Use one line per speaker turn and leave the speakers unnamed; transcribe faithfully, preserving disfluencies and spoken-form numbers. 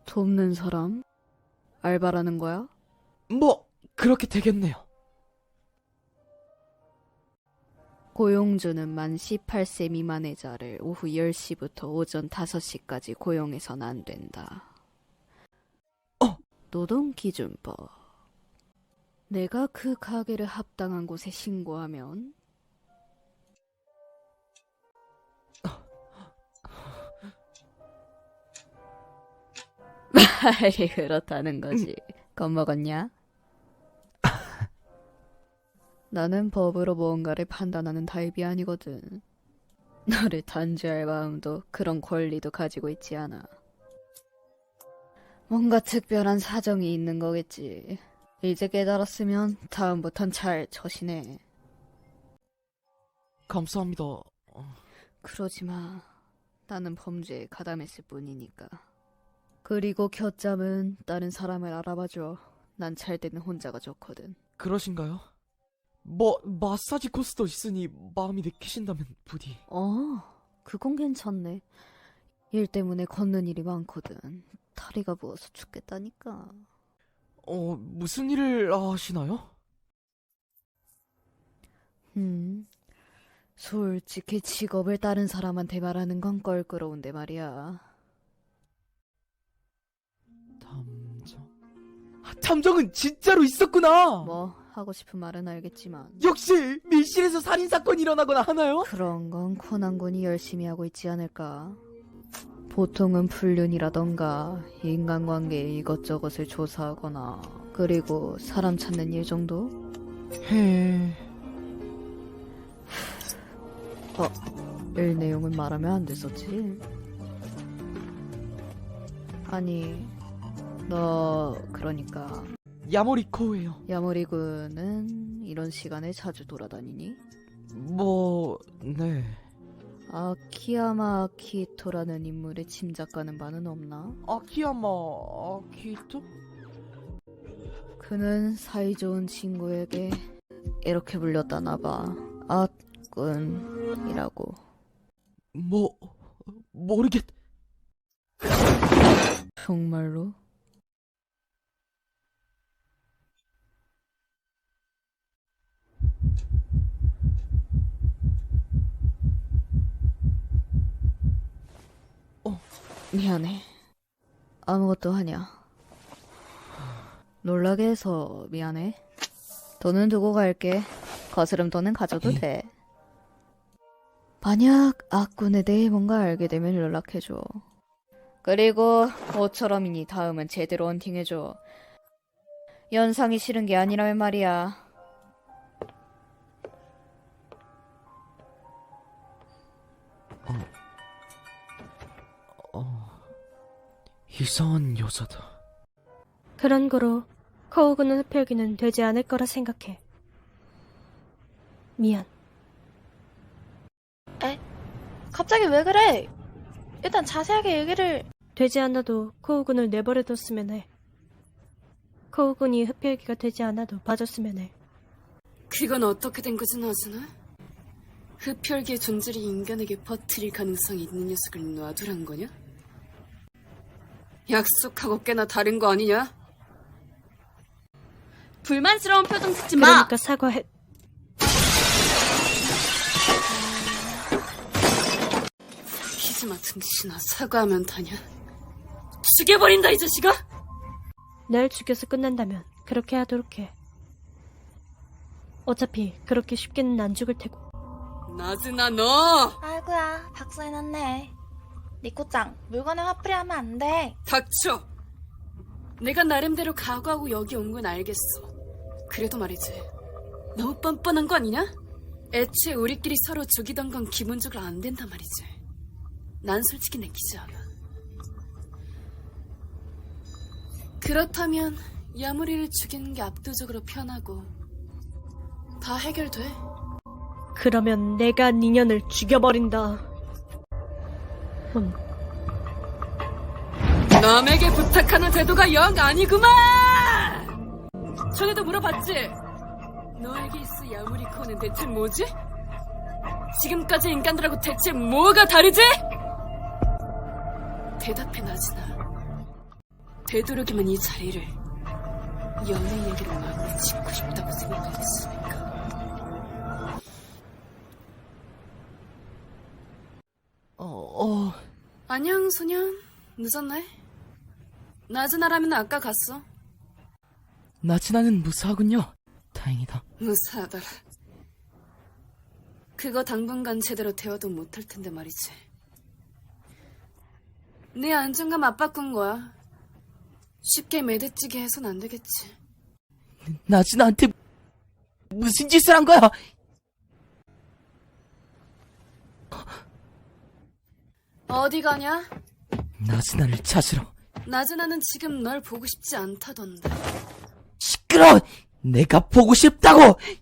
돕는 사람? 알바라는 거야?
뭐 그렇게 되겠네요.
고용주는 만 열여덟 세 미만의 자를 오후 열 시부터 오전 다섯 시까지 고용해선 안 된다.
어?
노동기준법. 내가 그 가게를 합당한 곳에 신고하면 말이 그렇다는 거지. 겁먹었냐? 나는 법으로 무언가를 판단하는 타입이 아니거든. 너를 단죄할 마음도 그런 권리도 가지고 있지 않아. 뭔가 특별한 사정이 있는 거겠지. 이제 깨달았으면 다음부턴 잘 처신해.
감사합니다.
그러지 마. 나는 범죄에 가담했을 뿐이니까. 그리고 곁잠은 다른 사람을 알아봐줘. 난 잘 때는 혼자가 좋거든.
그러신가요? 뭐 마사지 코스도 있으니 마음이 느끼신다면 부디.
어, 그건 괜찮네. 일 때문에 걷는 일이 많거든. 다리가 부어서 죽겠다니까.
어, 무슨 일을 하시나요?
음, 솔직히 직업을 다른 사람한테 말하는 건 껄끄러운데 말이야.
탐정? 아, 탐정은 진짜로 있었구나!
뭐 하고 싶은 말은 알겠지만
역시 밀실에서 살인사건이 일어나거나 하나요?
그런 건 코난군이 열심히 하고 있지 않을까. 보통은 불륜이라던가 인간관계의 이것저것을 조사하거나 그리고 사람 찾는 일 정도?
해...
어, 일 내용은 말하면 안 됐었지? 아니, 너 그러니까
야모리코예요.
야모리군은 이런 시간에 자주 돌아다니니?
뭐... 네...
아키야마 아키토라는 인물의 짐작가는 바는 없나?
아키야마... 아키토?
그는 사이좋은 친구에게 이렇게 불렸다나봐. 아군이라고.
뭐... 모르겠...
정말로?
어,
미안해. 아무것도 하냐? 놀라게 해서 미안해. 돈은 두고 갈게. 거스름 돈은 가져도 돼. 만약 악군에 대해 뭔가 알게 되면 연락해줘. 그리고 모처럼이니 다음은 제대로 헌팅해줘. 연상이 싫은 게 아니라면 말이야.
어... 이상한 여자다.
그런 거로 코우군의 흡혈귀는 되지 않을 거라 생각해. 미안.
에? 갑자기 왜 그래? 일단 자세하게 얘기를...
되지 않아도 코우군을 내버려뒀으면 해. 코우군이 흡혈귀가 되지 않아도 봐줬으면 해.
그건 어떻게 된 거지, 나즈나? 흡혈귀의 존재를 인간에게 퍼뜨릴 가능성이 있는 녀석을 놔두란 거냐? 약속하고 꽤나 다른 거 아니냐?
불만스러운 표정 짓지 마!
그러니까 사과해.
키즈마 등신아, 사과하면 다냐? 죽여버린다, 이 자식아!
날 죽여서 끝난다면 그렇게 하도록 해. 어차피 그렇게 쉽게는 안 죽을 테고.
나즈나, 너!
아이고야, 박살났네. 니코짱, 물건을 화풀이하면 안 돼.
닥쳐! 내가 나름대로 각오하고 여기 온 건 알겠어. 그래도 말이지, 너무 뻔뻔한 거 아니냐? 애초에 우리끼리 서로 죽이던 건 기본적으로 안 된단 말이지. 난 솔직히 내키지 않아. 그렇다면 야무리를 죽이는 게 압도적으로 편하고 다 해결돼.
그러면 내가 니년을 죽여버린다. 음.
남에게 부탁하는 태도가 영 아니구만! 전에도 물어봤지? 너에게 있을 야무리코는 대체 뭐지? 지금까지 인간들하고 대체 뭐가 다르지? 대답해, 나즈나. 되도록이면 이 자리를 연애 얘기로 마무리 짓고 싶다고 생각했으니까.
어, 어,
안녕, 소년. 늦었네. 나즈나라면 아까 갔어.
나즈나는 무사하군요. 다행이다.
무사하더라. 그거 당분간 제대로 대화도 못할 텐데 말이지. 내 안정감 압바꾼 거야. 쉽게 매대찌게 해선 안 되겠지.
나즈나한테 무슨 짓을 한 거야?
어디 가냐?
나즈나를 찾으러.
나즈나는 지금 널 보고 싶지 않다던데.
시끄러! 내가 보고 싶다고!